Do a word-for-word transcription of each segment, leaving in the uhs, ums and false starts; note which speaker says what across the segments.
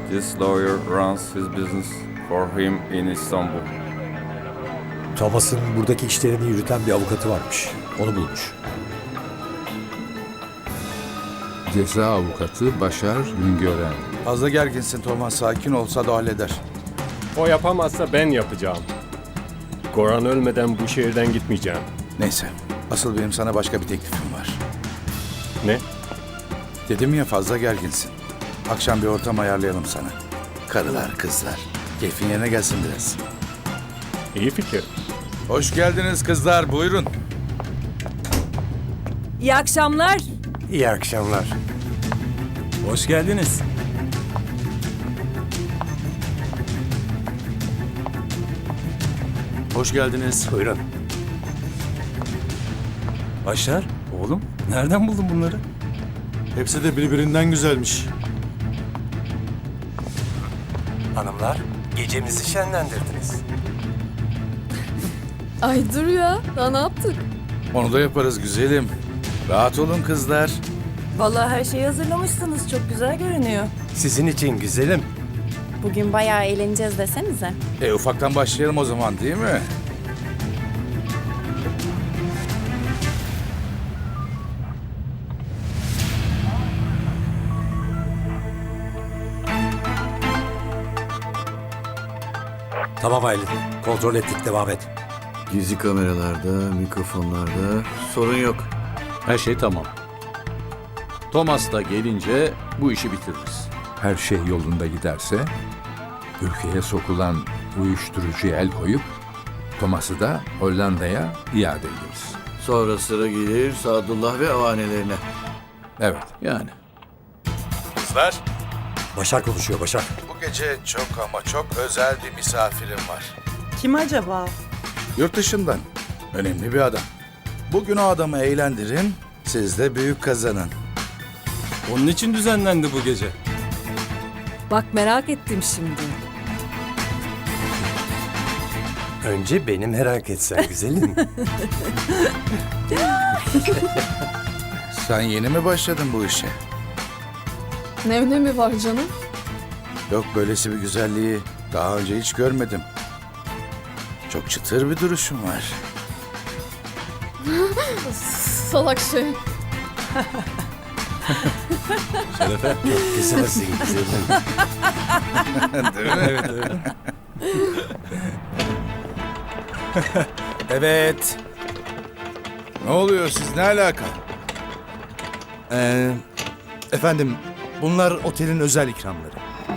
Speaker 1: This lawyer runs his business for him in Istanbul.
Speaker 2: Thomas'ın buradaki işlerini yürüten bir avukatı varmış. Onu bulmuş.
Speaker 3: Ceza avukatı Başar Güngören.
Speaker 4: Fazla gerginsin Thomas. Sakin olsa da halleder.
Speaker 5: O yapamazsa ben yapacağım. Goran ölmeden bu şehirden gitmeyeceğim.
Speaker 4: Neyse. Asıl benim sana başka bir teklifim var.
Speaker 5: Ne?
Speaker 4: Dedim ya fazla gerginsin. Akşam bir ortam ayarlayalım sana. Karılar, kızlar. Keyfin yerine gelsin biraz.
Speaker 5: İyi fikir.
Speaker 4: Hoş geldiniz kızlar. Buyurun.
Speaker 6: İyi akşamlar.
Speaker 2: İyi akşamlar.
Speaker 7: Hoş geldiniz.
Speaker 4: Hoş geldiniz.
Speaker 2: Buyurun.
Speaker 7: Başar, oğlum nereden buldun bunları?
Speaker 8: Hepsi de birbirinden güzelmiş.
Speaker 2: Hanımlar, gecemizi şenlendirdiniz.
Speaker 6: Ay dur ya. Daha ne yaptık?
Speaker 4: Onu da yaparız güzelim. Rahat olun kızlar.
Speaker 6: Vallahi her şeyi hazırlamışsınız. Çok güzel görünüyor.
Speaker 2: Sizin için güzelim.
Speaker 9: Bugün bayağı eğleneceğiz desenize.
Speaker 4: E ufaktan başlayalım o zaman değil mi?
Speaker 2: Tamam Aylin, kontrol ettik, devam et.
Speaker 10: Gizli kameralarda, mikrofonlarda sorun yok.
Speaker 3: Her şey tamam. Thomas da gelince bu işi bitiririz. Her şey yolunda giderse ülkeye sokulan uyuşturucuya el koyup Thomas'ı da Hollanda'ya iade ederiz.
Speaker 10: Sonra sıra gelir Sadullah ve avanelerine.
Speaker 3: Evet.
Speaker 10: Yani.
Speaker 4: Kızlar.
Speaker 2: Başar konuşuyor, Başar.
Speaker 4: Bu gece çok ama çok özel bir misafirim var.
Speaker 6: Kim acaba?
Speaker 4: Yurt dışından. Önemli bir adam. Bugün o adamı eğlendirin, siz de büyük kazanın.
Speaker 7: Onun için düzenlendi bu gece.
Speaker 6: Bak merak ettim şimdi.
Speaker 2: Önce beni merak etsen güzelim.
Speaker 4: Sen yeni mi başladın bu işe?
Speaker 6: Ne önemi var canım?
Speaker 4: Yok böylesi bir güzelliği daha önce hiç görmedim. Çok çıtır bir duruşun var.
Speaker 6: Salak şey.
Speaker 7: Şerefe.
Speaker 2: Güzelsin güzelim.
Speaker 4: Değil mi?
Speaker 7: Evet, evet.
Speaker 8: Evet.
Speaker 4: Ne oluyor siz ne alaka?
Speaker 8: Ee, efendim, bunlar otelin özel ikramları.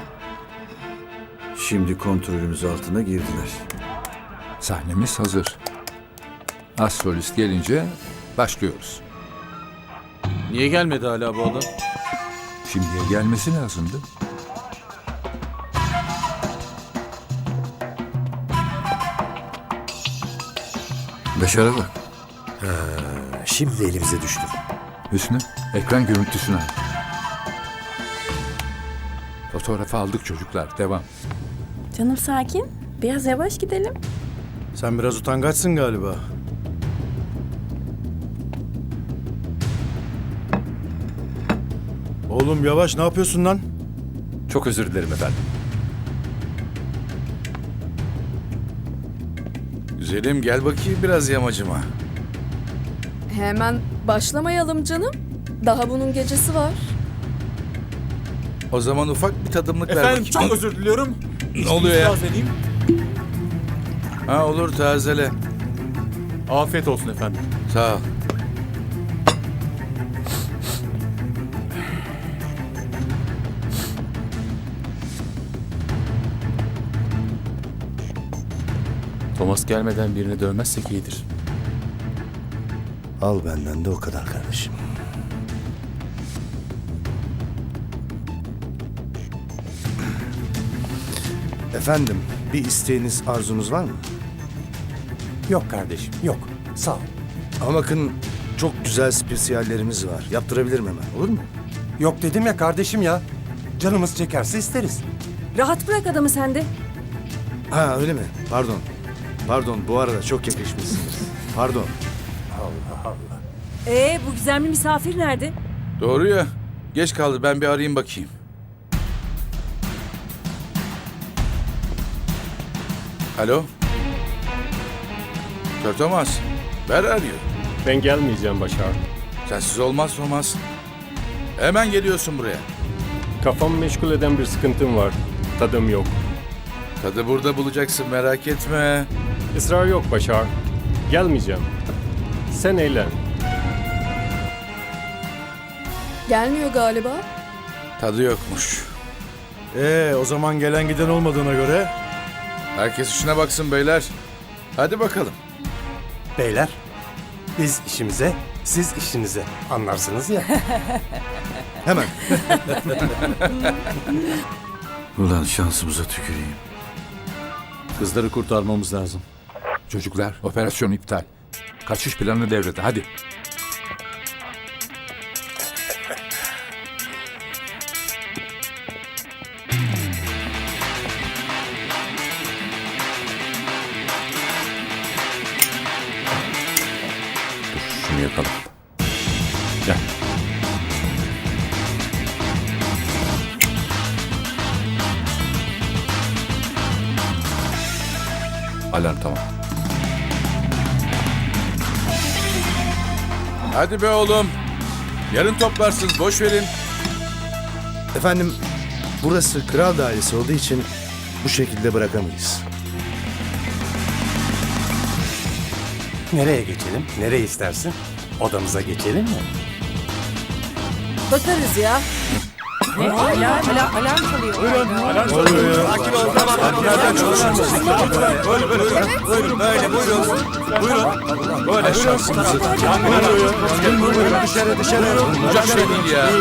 Speaker 10: Şimdi kontrolümüz altına girdiler.
Speaker 3: Sahnemiz hazır. Az solist gelince başlıyoruz.
Speaker 10: Niye gelmedi hala bu adam?
Speaker 3: Şimdiye gelmesi lazımdı.
Speaker 10: Başar'a bak.
Speaker 2: Şimdi elimize düştü.
Speaker 3: Hüsnü, ekran görüntüsünü al. Fotoğrafı aldık çocuklar, devam.
Speaker 9: Canım sakin. Biraz yavaş gidelim.
Speaker 8: Sen biraz utangaçsın galiba. Oğlum yavaş, ne yapıyorsun lan?
Speaker 7: Çok özür dilerim efendim.
Speaker 4: Güzelim gel bakayım biraz yamacıma.
Speaker 6: Hemen başlamayalım canım. Daha bunun gecesi var.
Speaker 4: O zaman ufak bir tadımlık ver
Speaker 7: Efendim
Speaker 4: bakayım.
Speaker 7: çok özür diliyorum.
Speaker 4: Ne oluyor ya?
Speaker 7: İtiraz edeyim.
Speaker 4: Ha olur tazele.
Speaker 7: Afiyet olsun efendim.
Speaker 4: Sağ ol.
Speaker 7: Thomas gelmeden birini dövmezsek iyidir.
Speaker 8: Al benden de o kadar kardeşim. Efendim, bir isteğiniz, arzunuz var mı?
Speaker 2: Yok kardeşim, yok. Sağ ol.
Speaker 8: Ama bakın, çok güzel spesiyallerimiz var. Yaptırabilirim hemen, olur mu?
Speaker 2: Yok dedim ya kardeşim ya. Canımız çekerse isteriz.
Speaker 6: Rahat bırak adamı sen de.
Speaker 8: Ha öyle mi? Pardon. Pardon, bu arada çok yakışmışsınız. Pardon.
Speaker 6: Ee bu gizemli misafir nerede?
Speaker 4: Doğru ya. Geç kaldı ben bir arayayım bakayım. Alo? Kör Thomas. Where are you?
Speaker 5: Ben gelmeyeceğim Başar.
Speaker 4: Sensiz olmaz Thomas. Hemen geliyorsun buraya.
Speaker 5: Kafamı meşgul eden bir sıkıntım var. Tadım yok.
Speaker 4: Tadı burada bulacaksın, merak etme.
Speaker 5: Israr yok Başar. Gelmeyeceğim. Sen eğlen.
Speaker 6: Gelmiyor galiba.
Speaker 4: Tadı yokmuş.
Speaker 8: Ee, o zaman gelen giden olmadığına göre
Speaker 4: Herkes işine baksın beyler. Hadi bakalım.
Speaker 2: Beyler, biz işimize, siz işinize anlarsınız ya.
Speaker 8: hemen.
Speaker 10: Ulan şansımıza tüküreyim.
Speaker 3: Kızları kurtarmamız lazım. Çocuklar, operasyon iptal. Kaçış planı devrede, hadi.
Speaker 1: Dur şunu yakalım. Gel. Alarm tamam.
Speaker 4: Hadi be oğlum. Yarın toplarsınız, boş verin.
Speaker 8: Efendim, burası kral dairesi olduğu için bu şekilde bırakamayız.
Speaker 2: Nereye geçelim? Nereye istersin? Odamıza geçelim mi?
Speaker 6: Bakarız ya. Ne? Alarm, alarm, alarm çalıyor.
Speaker 4: Böyle şansımızı.
Speaker 8: Dışarı dışarı.
Speaker 4: Olacak şey değil ya.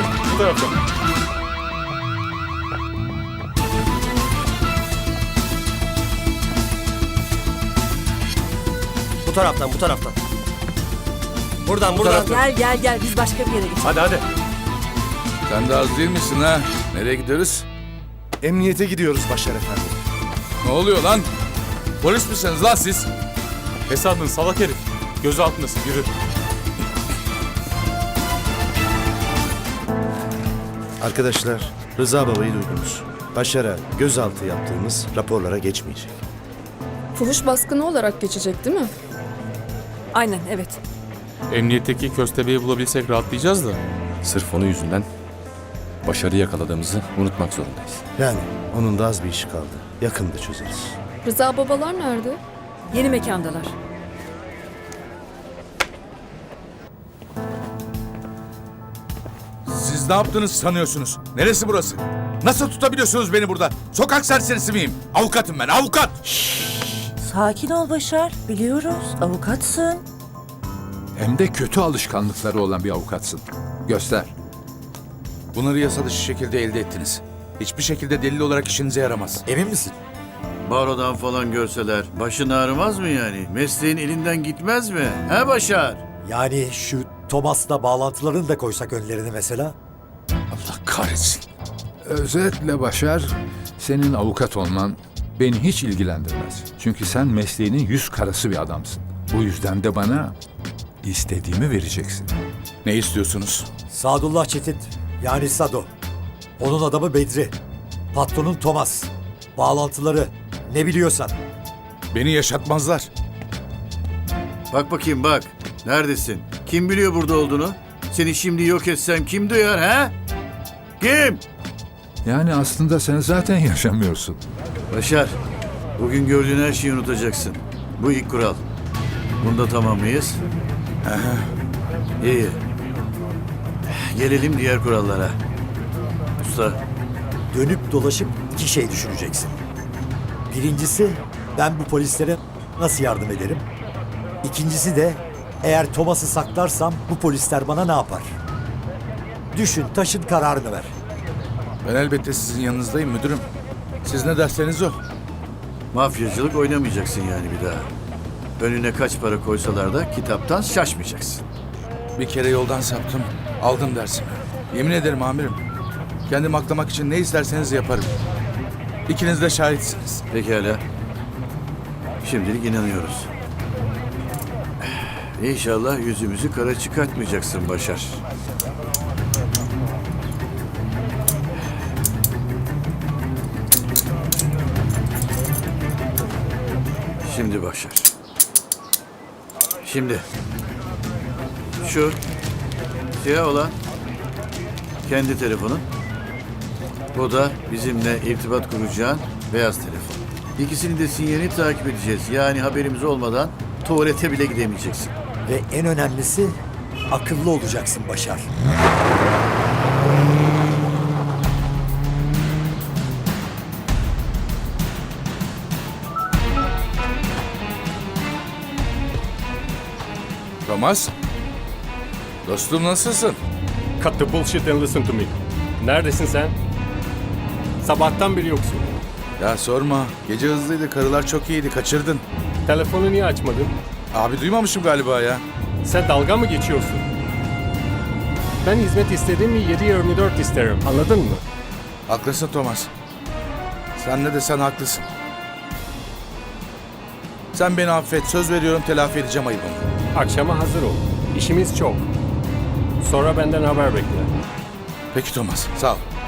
Speaker 2: Bu taraftan, bu taraftan. Buradan, buradan.
Speaker 6: Gel gel gel biz başka bir yere geçelim.
Speaker 2: Hadi hadi.
Speaker 4: Sen de az değil misin ha? Nereye gidiyoruz?
Speaker 8: Emniyete gidiyoruz Başar Efendi.
Speaker 4: Ne oluyor lan? Polis misiniz lan siz?
Speaker 7: Hesabın salak herif. Göz altındasın, yürü.
Speaker 8: Arkadaşlar, Rıza Baba'yı duydunuz. Başar'a gözaltı yaptığımız raporlara geçmeyecek.
Speaker 6: Fuhuş baskını olarak geçecek değil mi? Aynen evet.
Speaker 7: Emniyetteki köstebeği bulabilsek rahatlayacağız da.
Speaker 1: Sırf onun yüzünden Başar'ı yakaladığımızı unutmak zorundayız.
Speaker 8: Yani onun da az bir işi kaldı. Yakında çözeriz.
Speaker 6: Rıza babalar nerede? Yeni mekandalar.
Speaker 4: Siz ne yaptınız sanıyorsunuz? Neresi burası? Nasıl tutabiliyorsunuz beni burada? Sokak serserisi miyim? Avukatım ben, avukat!
Speaker 6: Sakin ol Başar. Biliyoruz avukatsın.
Speaker 3: Hem de kötü alışkanlıkları olan bir avukatsın. Göster.
Speaker 4: Bunları yasa dışı şekilde elde ettiniz. Hiçbir şekilde delil olarak işinize yaramaz.
Speaker 2: Emin misin?
Speaker 10: Barodan falan görseler başın ağrımaz mı yani? Mesleğin elinden gitmez mi? He Başar?
Speaker 2: Yani şu Thomas'la bağlantılarını da koysak önlerine mesela.
Speaker 4: Allah kahretsin.
Speaker 3: Özetle Başar, senin avukat olman beni hiç ilgilendirmez. Çünkü sen mesleğinin yüz karası bir adamsın. Bu yüzden de bana istediğimi vereceksin.
Speaker 4: Ne istiyorsunuz?
Speaker 2: Sadullah Çetin, yani Sado. Onun adamı Bedri. Patronun Thomas. Bağlantıları, ne biliyorsan.
Speaker 4: Beni yaşatmazlar.
Speaker 10: Bak bakayım bak. Neredesin? Kim biliyor burada olduğunu? Seni şimdi yok etsem kim duyar he? Kim?
Speaker 3: Yani aslında sen zaten yaşamıyorsun.
Speaker 10: Başar, bugün gördüğün her şeyi unutacaksın. Bu ilk kural. Bunda tamam mıyız? İyi. Gelelim diğer kurallara. Usta,
Speaker 2: Dönüp dolaşıp iki şey düşüneceksin. Birincisi, ben bu polislere nasıl yardım ederim? İkincisi de, eğer Thomas'ı saklarsam bu polisler bana ne yapar? Düşün, taşın kararını ver.
Speaker 4: Ben elbette sizin yanınızdayım müdürüm. Siz ne derseniz o.
Speaker 10: mafyacılık oynamayacaksın yani bir daha. Önüne kaç para koysalar da kitaptan şaşmayacaksın.
Speaker 4: Bir kere yoldan saptım. Aldım dersimi. Yemin ederim amirim. Kendimi aklamak için ne isterseniz yaparım. İkiniz de şahitsiniz.
Speaker 10: Pekala. Şimdilik inanıyoruz. İnşallah yüzümüzü kara çıkartmayacaksın Başar. Şimdi Başar. Şimdi. Şu siyah olan kendi telefonun. Bu da bizimle irtibat kuracağın beyaz telefon. İkisinin de sinyalini takip edeceğiz. Yani haberimiz olmadan tuvalete bile gidemeyeceksin.
Speaker 2: Ve en önemlisi akıllı olacaksın Başar.
Speaker 4: Thomas. Dostum nasılsın?
Speaker 5: Cut the bullshit and listen to me. Neredesin sen? Sabahtan beri yoksun.
Speaker 4: Ya sorma. Gece hızlıydı. Karılar çok iyiydi. Kaçırdın.
Speaker 5: Telefonu niye açmadın?
Speaker 4: Abi duymamışım galiba ya.
Speaker 5: Sen dalga mı geçiyorsun? Ben hizmet istediğim mi yedi yirmi dört isterim. Anladın mı?
Speaker 4: Haklısın Thomas. Sen ne desen haklısın. Sen beni affet. Söz veriyorum telafi edeceğim ayıbımı.
Speaker 5: Akşama hazır ol. İşimiz çok. Sonra benden haber bekle.
Speaker 4: Peki Thomas. Sağ ol.